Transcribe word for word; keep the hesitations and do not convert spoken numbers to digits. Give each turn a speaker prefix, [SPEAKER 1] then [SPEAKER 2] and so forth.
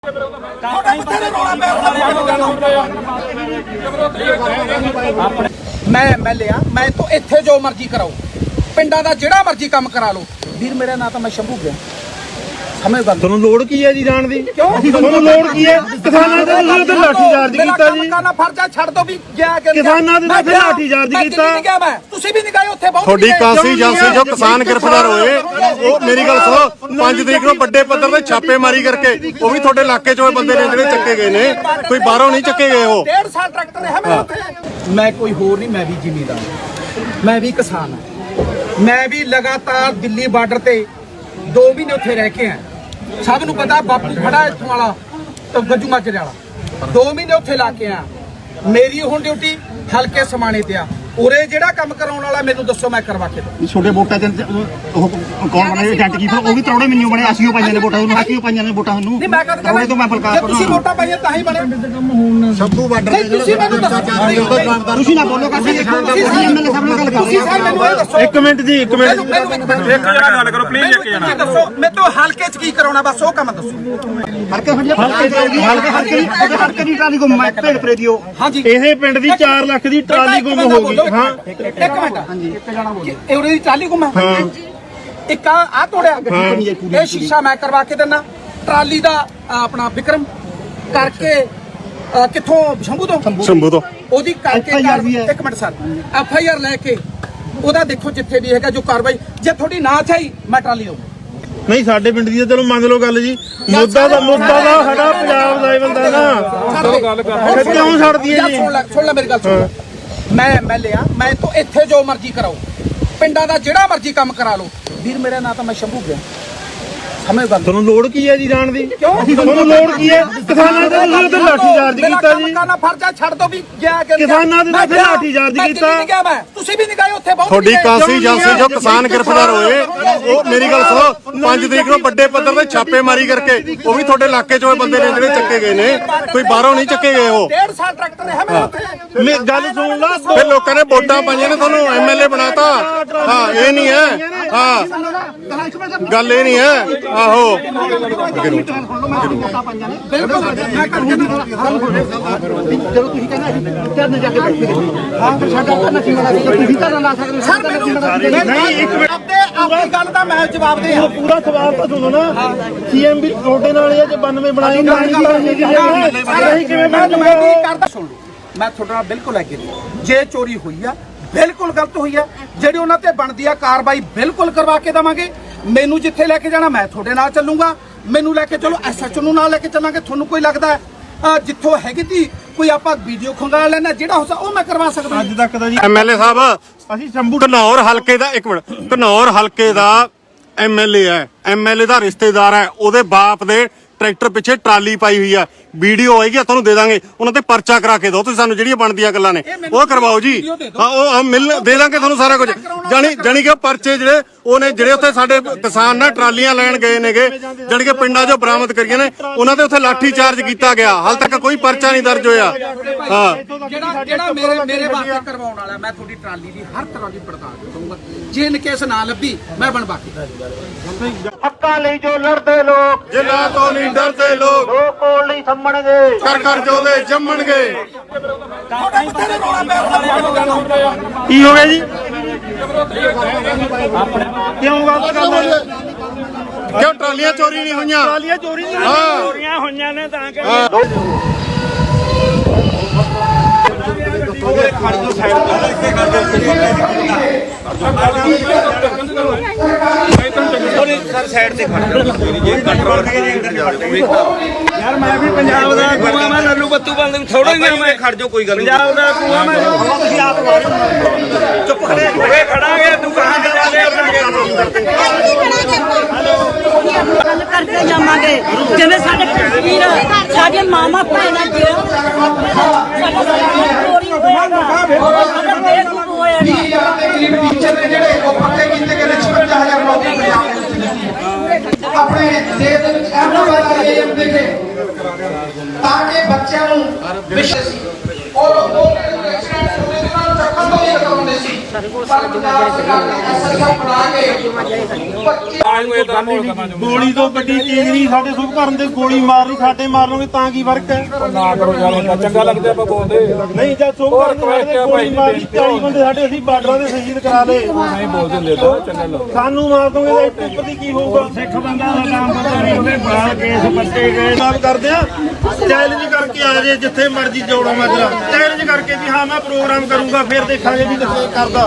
[SPEAKER 1] मैं एमएलए हाँ, मैं तो इत्थे जो मर्जी कराओ, पिंडा दा जिहड़ा मर्जी काम करा लो। वीर मेरा ना तो मैं शंभू गया समझ गल
[SPEAKER 2] ਤੁਹਾਨੂੰ ਲੋੜ ਕੀ ਹੈ ਜੀ ਜਾਣ ਦੀ? ਤੁਹਾਨੂੰ ਲੋੜ ਕੀ ਹੈ? ਕਿਸਾਨਾਂ ਦੇ ਤੁਸੀਂ ਤੇ ਲਾਠੀ ਚਾਰਜ ਕੀਤਾ ਜੀ।
[SPEAKER 1] ਕਰਨਾ ਫਰਜ਼ਾ ਛੱਡ ਦੋ ਵੀ ਗਿਆ ਕਿ
[SPEAKER 2] ਕਿਸਾਨਾਂ ਦੇ ਤੇ ਲਾਠੀ ਚਾਰਜ ਕੀਤਾ।
[SPEAKER 1] ਤੁਸੀਂ ਵੀ ਨਹੀਂ ਗਏ ਉੱਥੇ ਬਹੁਤ
[SPEAKER 3] ਤੁਹਾਡੀ ਕਾਂਸੀ ਏਜੰਸੀ ਜੋ ਕਿਸਾਨ ਗ੍ਰਿਫਤਾਰ ਹੋਏ ਉਹ ਮੇਰੀ ਗੱਲ ਸੁਣੋ ਪੰਜ ਤਰੀਕ ਨੂੰ ਵੱਡੇ ਪੱਧਰ ਤੇ ਛਾਪੇਮਾਰੀ ਕਰਕੇ ਉਹ ਵੀ ਤੁਹਾਡੇ ਇਲਾਕੇ ਚੋਂ ਬੰਦੇ ਨੇ ਜਿਹੜੇ ਚੱਕੇ ਗਏ ਨੇ, ਕੋਈ ਬਾਹਰੋਂ ਨਹੀਂ ਚੱਕੇ ਗਏ। ਉਹ
[SPEAKER 1] डेढ़ साल ट्रैक्टर है मेरे उत्ते। मैं कोई होर नहीं, मैं भी जिमीदार, मैं भी किसान हाँ, मैं भी लगातार दिल्ली बार्डर ते दो महीने उत्थे रह के आया। सब नूं पता बापू खड़ा इत्थों वाला तो गज्जू माजरे वाला दो महीने उत्थे ला के आया। मेरी हुण ड्यूटी हल्के समाने ते आ। उरे जेड़ा काम कराउण वाला मैनूं दस्सो, मैं करवा के दूं।
[SPEAKER 2] छोटे वोटां ते ਉਹ ਕੌਣ ਬਣੇ ਏਜੰਟ ਕੀ ਫਿਰ ਉਹ ਵੀ ਤਰੌੜੇ ਮੈਨੂੰ ਬਣੇ, ਅਸੀਂ ਉਹ ਪਾਈਆਂ ਨੇ ਵੋਟਾਂ ਉਹਨੂੰ, ਅਸੀਂ ਉਹ ਪਾਈਆਂ ਨੇ ਵੋਟਾਂ ਉਹਨੂੰ।
[SPEAKER 1] ਨਹੀਂ ਮੈਂ ਕਦ
[SPEAKER 2] ਤਰੌੜੇ ਤੋਂ ਮੈਂ ਬਲਕਾਰ
[SPEAKER 1] ਜੇ ਤੁਸੀਂ ਵੋਟਾਂ ਪਾਈਆਂ ਤਾਂ ਹੀ ਬਣੇ।
[SPEAKER 3] ਸ਼ੰਭੂ ਬਾਰਡਰ
[SPEAKER 1] ਨਹੀਂ ਤੁਸੀਂ ਮੈਨੂੰ ਦੱਸੋ,
[SPEAKER 2] ਤੁਸੀਂ ਨਾ ਬੋਲੋ ਕਾਸੀ ਦੇਖੋ ਅਸੀਂ ਐਮਐਲਏ ਸਾਹਿਬ ਨਾਲ ਗੱਲ ਕਰ
[SPEAKER 1] ਤੁਸੀਂ ਸਰ ਮੈਨੂੰ ਇਹ ਦੱਸੋ।
[SPEAKER 2] ਇੱਕ ਮਿੰਟ ਜੀ, ਇੱਕ ਮਿੰਟ
[SPEAKER 1] ਇੱਕ ਜਣਾ ਗੱਲ ਕਰੋ ਪਲੀਜ਼। ਇੱਕ ਜਣਾ ਦੱਸੋ ਮੈਨੂੰ ਹਲਕੇ 'ਚ ਕੀ ਕਰਾਉਣਾ, ਬਸ ਉਹ ਕੰਮ ਦੱਸੋ।
[SPEAKER 2] ਹਲਕੇ ਹਲਕੇ ਹਲਕੇ ਹਲਕੇ ਹਲਕੇ ਦੀ ਟਰਾਲੀ ਗੁੰਮ ਹੈ, ਭੇਡ ਪਰੇ ਦਿਓ।
[SPEAKER 1] ਹਾਂਜੀ
[SPEAKER 2] ਇਹ ਪਿੰਡ ਦੀ ਚਾਰ ਲੱਖ ਦੀ ਟਰਾਲੀ ਗੁੰਮ ਹੋ ਗਈ। ਹਾਂ
[SPEAKER 1] ਇੱਕ ਮਿੰਟ, ਹਾਂਜੀ ਇੱਕ ਜਣਾ ਬੋਲੋ। ਇਹ ਉਹਦੀ ਟਰਾਲੀ ਗੁੰਮ ਹੈ। ਹਾਂਜੀ ਇੱਕ ਆ ਆ ਤੋੜਿਆ, ਇਹ ਸ਼ੀਸ਼ਾ ਮੈਂ ਕਰਵਾ ਕੇ ਦਿੰਦਾ। ਟਰਾਲੀ ਦਾ ਆਪਣਾ ਵਿਕਰਮ ਕਰਕੇ ਕਿੱਥੋਂ ਸ਼ੰਭੂ ਤੋਂ
[SPEAKER 3] ਸ਼ੰਭੂ ਤੋਂ
[SPEAKER 1] ਉਹਦੀ ਕਰਕੇ ਇੱਕ minute sir F I R ਲੈ ਕੇ ਉਹਦਾ ਦੇਖੋ ਜਿੱਥੇ ਵੀ ਹੈਗਾ ਜੋ ਕਾਰਵਾਈ। ਜੇ ਤੁਹਾਡੀ ਨਾ ਚਾਹੀ ਮੈਂ ਟਰਾਲੀ ਦਊਂ।
[SPEAKER 2] ਨਹੀਂ ਸਾਡੇ ਪਿੰਡ ਦੀ ਤਾਂ ਚਲੋ ਮੰਨ ਲਓ ਗੱਲ ਜੀ, ਮੁੱਦਾ ਦਾ ਮੁੱਦਾ ਦਾ ਸਾਡਾ ਪੰਜਾਬ ਦਾ ਹੀ ਬੰਦਾ ਨਾ, ਫਿਰ ਕਿਉਂ ਛੱਡਦੀ ਹੈ ਜੀ?
[SPEAKER 1] ਸੁਣ ਲੈ ਸੁਣ ਲੈ ਮੇਰੀ ਗੱਲ ਸੁਣ। ਮੈਂ ਐਮਐਲਏ हाँ, मैं तो इत्थे जो मर्जी कराओ, पिंडा दा जिहड़ा मर्जी काम करा लो। वीर मेरा ना तो मैं शंभू गया समझ गल।
[SPEAKER 2] ਤੁਹਾਨੂੰ ਲੋੜ ਕੀ ਹੈ ਜੀ ਜਾਣ ਦੀ? ਤੁਹਾਨੂੰ ਲੋੜ ਕੀ ਹੈ? ਕਿਸਾਨਾਂ ਦੇ ਤੁਸੀਂ ਤੇ ਲਾਠੀ ਚਾਰਜ ਕੀਤਾ ਜੀ।
[SPEAKER 1] ਕਰਨਾ ਫਰਜ਼ਾ ਛੱਡ ਦੋ ਵੀ ਗਿਆ ਕਿ
[SPEAKER 2] ਕਿਸਾਨਾਂ ਦੇ ਤੇ ਲਾਠੀ ਚਾਰਜ ਕੀਤਾ।
[SPEAKER 1] ਮੈਂ ਤੁਸੀਂ ਵੀ ਨਹੀਂ ਗਏ ਉੱਥੇ ਬਹੁਤ।
[SPEAKER 3] ਤੁਹਾਡੀ ਕਾਂਸੀ ਏਜੰਸੀ ਜੋ ਕਿਸਾਨ ਗ੍ਰਿਫਤਾਰ ਹੋਏ ਉਹ ਮੇਰੀ ਗੱਲ ਸੁਣੋ ਪੰਜ ਤਰੀਕ ਨੂੰ ਵੱਡੇ ਪੱਧਰ ਤੇ ਛਾਪੇਮਾਰੀ ਕਰਕੇ ਉਹ ਵੀ ਤੁਹਾਡੇ ਇਲਾਕੇ ਚੋਂ ਬੰਦੇ ਨੇ ਜਿਹੜੇ ਚੱਕੇ ਗਏ ਨੇ, ਕੋਈ ਬਾਹਰੋਂ ਨਹੀਂ ਚੱਕੇ ਗਏ। ਉਹ
[SPEAKER 1] डेढ़ साल ट्रैक्टर है मेरे उत्ते।
[SPEAKER 2] ਮੈਂ ਗੱਲ ਸੁਣ ਲਾ,
[SPEAKER 3] ਫਿਰ ਲੋਕਾਂ ਨੇ ਵੋਟਾਂ ਪਾਈਆਂ ਨੇ, ਤੁਹਾਨੂੰ ਐਮਐਲਏ ਬਣਾਤਾ। ਹਾਂ ਇਹ ਨਹੀਂ ਹੈ, ਹਾਂ ਗੱਲ ਇਹ ਨਹੀਂ ਹੈ। ਆਹੋ
[SPEAKER 2] ਜਦੋਂ ਤੁਸੀਂ ਕਹਿੰਦੇ ਕਰਨੇ ਜਾ ਕੇ ਬੈਠੇ ਹਾਂ ਫਿਰ ਸਾਡਾ ਕਰਨਾ ਸੀ ਵਾਲਾ ਤੁਸੀਂ ਤਾਂ ਲਾ ਸਕਦੇ
[SPEAKER 1] ਸਰ ਮੈਨੂੰ ਨਹੀਂ ਇੱਕ ਮਿੰਟ ਆਪਣੀ ਗੱਲ ਦਾ ਮੈਂ ਜਵਾਬ ਦੇ ਆ।
[SPEAKER 2] ਪੂਰਾ ਸਵਾਲ ਤਾਂ ਸੁਣੋ ਨਾ, ਸੀਐਮ ਵੀ ਤੁਹਾਡੇ ਨਾਲ ਇਹ ਜੇ ਬਾਨਵੇਂ ਬਣਾਏ ਨਹੀਂ ਕਿਵੇਂ
[SPEAKER 1] ਮੈਂ ਕਰਦਾ ਸੁਣ ਲਓ। ਮੈਂ ਤੁਹਾਡੇ ਨਾਲ ਬਿਲਕੁਲ ਐਗਰੀ, ਜੇ ਚੋਰੀ ਹੋਈ ਆ ਬਿਲਕੁਲ ਗਲਤ ਹੋਈ ਆ, ਜਿਹੜੀ ਉਹਨਾਂ ਤੇ ਬਣਦੀ ਆ ਕਾਰਵਾਈ ਬਿਲਕੁਲ ਕਰਵਾ ਕੇ ਦੇਵਾਂਗੇ। ਮੈਨੂੰ ਜਿੱਥੇ ਲੈ ਕੇ ਜਾਣਾ ਮੈਂ ਤੁਹਾਡੇ ਨਾਲ ਚੱਲੂਗਾ, ਮੈਨੂੰ ਲੈ ਕੇ ਚਲੋ ਐਸਐਚਓ ਨੂੰ ਨਾਲ ਲੈ ਕੇ ਚੱਲਾਂਗੇ। ਤੁਹਾਨੂੰ ਕੋਈ ਲੱਗਦਾ ਜਿੱਥੋਂ ਹੈਗੀ ਤੀ ਕੋਈ ਆਪਾਂ ਵੀਡੀਓ ਖੰਗਾ ਲੈਣਾ ਜਿਹੜਾ ਹੋ ਉਹ ਮੈਂ ਕਰਵਾ ਸਕਦਾ।
[SPEAKER 2] ਅੱਜ ਤੱਕ ਦਾ ਜੀ
[SPEAKER 3] ਐਮਐਲਏ ਸਾਹਿਬ
[SPEAKER 2] ਅਸੀਂ ਸ਼ੰਭੂ
[SPEAKER 3] ਘਨੌਰ ਹਲਕੇ ਦਾ ਇੱਕ ਮਿੰਟ ਘਨੌਰ ਹਲਕੇ ਦਾ ਐਮਐਲਏ ਹੈ, ਐਮਐਲਏ ਦਾ ਰਿਸ਼ਤੇਦਾਰ ਹੈ, ਉਹਦੇ ਬਾਪ ਦੇ ਟਰੈਕਟਰ ਪਿੱਛੇ ਟਰਾਲੀ ਪਾਈ ਹੋਈ ਆ। ਵੀਡੀਓ ਆਏਗੀ ਤੁਹਾਨੂੰ ਦੇ ਦਾਂਗੇ, ਉਹਨਾਂ ਤੇ ਪਰਚਾ ਕਰਾ ਕੇ ਦਿਓ ਤੁਸੀਂ ਸਾਨੂੰ, ਜਿਹੜੀਆਂ ਬਣਦੀਆਂ ਗੱਲਾਂ ਨੇ ਉਹ ਕਰਵਾਓ ਜੀ। ਹਾਂ ਉਹ ਮਿਲ ਦੇ ਦਾਂਗੇ ਤੁਹਾਨੂੰ ਸਾਰਾ ਕੁਝ। ਜਾਣੀ ਜਾਣੀ ਕਿ ਪਰਚੇ ਜਿਹੜੇ ਉਹਨੇ ਜਿਹੜੇ ਉੱਥੇ ਸਾਡੇ ਕਿਸਾਨ ਨਾ ਟਰਾਲੀਆਂ ਲੈਣ ਗਏ ਨੇਗੇ, ਜਾਣੀ ਕਿ ਪਿੰਡਾਂ 'ਚੋਂ ਬਰਾਮਦ ਕਰੀਆਂ ਨੇ, ਉਹਨਾਂ ਤੇ ਉੱਥੇ ਲਾਠੀ ਚਾਰਜ ਕੀਤਾ ਗਿਆ। ਹਾਲ ਤੱਕ ਕੋਈ ਪਰਚਾ ਨਹੀਂ ਦਰਜ ਹੋਇਆ। ਹਾਂ
[SPEAKER 1] ਜਿਹੜਾ ਜਿਹੜਾ ਮੇਰੇ ਮੇਰੇ ਵਾਸਤੇ ਕਰਵਾਉਣ ਵਾਲਾ, ਮੈਂ ਤੁਹਾਡੀ ਟਰਾਲੀ ਦੀ ਹਰ ਤਰ੍ਹਾਂ ਦੀ ਪੜਤਾਲ ਕਰੂੰਗਾ। ਜੇ ਇਨ ਕੇਸ ਨਾ ਲੱਭੀ ਮੈਂ ਬਣਵਾ ਕੇ
[SPEAKER 2] ਹੱਕਾਂ ਲਈ ਜੋ ਲੜਦੇ ਲੋਕ,
[SPEAKER 3] ਜਿਨ੍ਹਾਂ ਤੋਂ ਨਹੀਂ ਡਰਦੇ ਲੋਕ,
[SPEAKER 2] ਲੋਕ ਕੋਲ ਨਹੀਂ ਸੰਮਣਗੇ,
[SPEAKER 3] ਕਰ ਕਰ ਜੋਦੇ ਜੰਮਣਗੇ।
[SPEAKER 2] ਕੀ ਹੋ ਗਿਆ ਜੀ? ਕਿਉਂ ਗਲਤ ਗੱਲ ਹੈ?
[SPEAKER 3] ਕਿਉਂ ਟਰਾਲੀਆਂ ਚੋਰੀ ਨਹੀਂ ਹੋਈਆਂ?
[SPEAKER 2] ਟਰਾਲੀਆਂ ਚੋਰੀ ਨਹੀਂ
[SPEAKER 3] ਹਾਂ
[SPEAKER 2] ਚੋਰੀਆਂ ਹੋਈਆਂ ਨੇ ਤਾਂ ਕਿ
[SPEAKER 4] ਸਰ ਸਾਈਡ ਤੇ ਖੜ ਜੇ ਕੰਟਰੋਲ ਯਾਰ ਮੈਂ ਵੀ ਪੰਜਾਬ ਦਾ ਕੂਆ, ਮੈਂ ਲੱਲੂ ਬੱਤੂ ਬੰਦ ਥੋੜਾ ਹੀ ਮੈਂ ਖੜ ਜਾ, ਕੋਈ ਗੱਲ ਨਹੀਂ। ਪੰਜਾਬ ਦਾ ਕੂਆ ਮੈਂ ਤੁਸੀਂ ਆਪ ਚੁੱਪ ਖੜੇ ਹੋਏ ਖੜਾਂਗੇ। ਤੂੰ ਕਹਾਂ ਤੇ ਜਾ ਕੇ
[SPEAKER 5] ਗੱਲ ਕਰਕੇ ਜਾਵਾਂਗੇ, ਜਿਵੇਂ ਸਾਡੇ ਵੀਰ ਸਾਡੇ ਮਾਮਾ ਭੈਣਾਂ ਜੀ ਸਾਡਾ ਚੋਰੀ ਹੋਇਆ ਸਾਡਾ ਬੇਵਕੂਫ ਹੋਇਆ
[SPEAKER 1] ਟੀਚਰ ਨੇ ਜਿਹੜੇ ਉਹ ਪੱਕੇ ਕੀਤੇ ਗਏ ਛਪੰਜਾ ਹਜ਼ਾਰ ਨੌਕਰੀ ਪੰਜਾਬ ਆਪਣੇ ਦੇਸ਼ ਦੇ ਵਿੱਚ ਐਮਓ ਵਾਲਾ ਏਐਮ ਦੇ ਕੇ ਤਾਂ ਕਿ ਬੱਚਿਆਂ ਨੂੰ ਵਿਸ਼ੇ ਸੀ ਔਰ ਉਹ ਐਕਸੀਡੈਂਟ ਹੋਣੇ ਦੇ ਨਾਲ ਚੱਕਣ ਤੋਂ ਹੀ ਰਕਾਉਂਦੇ ਸੀ।
[SPEAKER 5] ਸਾਡੇ ਕੋਲ ਸਾਡੀਆਂ
[SPEAKER 2] ਗੋਲੀ ਤੋਂ ਵੱਡੀ ਚੀਜ਼ ਨਹੀਂ ਸਾਡੇ ਸੁਖ ਕਰਨ ਦੇ ਗੋਲੀ ਮਾਰਨੀ ਸਾਡੇ ਮਾਰਨੋਗੇ ਤਾਂ ਕੀ ਫਰਕ ਹੈ
[SPEAKER 6] ਨਾ ਕਰੋ ਯਾਰ ਚੰਗਾ ਲੱਗਦਾ ਆਪਾਂ ਬੋਲਦੇ
[SPEAKER 2] ਨਹੀਂ ਜਦ ਸੁਖ ਕਰਨ ਦੇ ਗੋਲੀ ਮਾਰੀ ਚਾਲੀ ਬੰਦੇ ਸਾਡੇ ਅਸੀਂ ਬਾਰਡਰਾਂ ਦੇ ਸ਼ਹੀਦ ਕਰਾ ਲਏ
[SPEAKER 6] ਨਹੀਂ ਬੋਲਦੇ ਹੁੰਦੇ ਤਾਂ ਚੰਗਾ ਲੱਗਦਾ
[SPEAKER 2] ਸਾਨੂੰ ਮਾਰ ਦੋਗੇ ਤਾਂ ਇੱਥੇ ਉੱਪਰ ਦੀ ਕੀ ਹੋਊਗਾ ਸਿੱਖ ਬੰਦਾ ਦਾ ਨਾਮ ਪਤਾ ਨਹੀਂ ਉਹਦੇ ਬਾਲ ਕੇਸ ਪੱਟੇ ਗਏ ਗੱਲ ਕਰਦੇ ਆ ਚੈਲੰਜ ਕਰਕੇ ਆ ਜੇ ਜਿੱਥੇ ਮਰਜ਼ੀ ਜੋੜੋ ਮਾਜਰਾ ਚੈਲੰਜ ਕਰਕੇ ਵੀ ਹਾਂ ਮੈਂ ਪ੍ਰੋਗਰਾਮ ਕਰੂੰਗਾ ਫਿਰ ਦੇਖਾਂਗੇ ਵੀ ਕਿੱਥੇ ਕਰਦਾ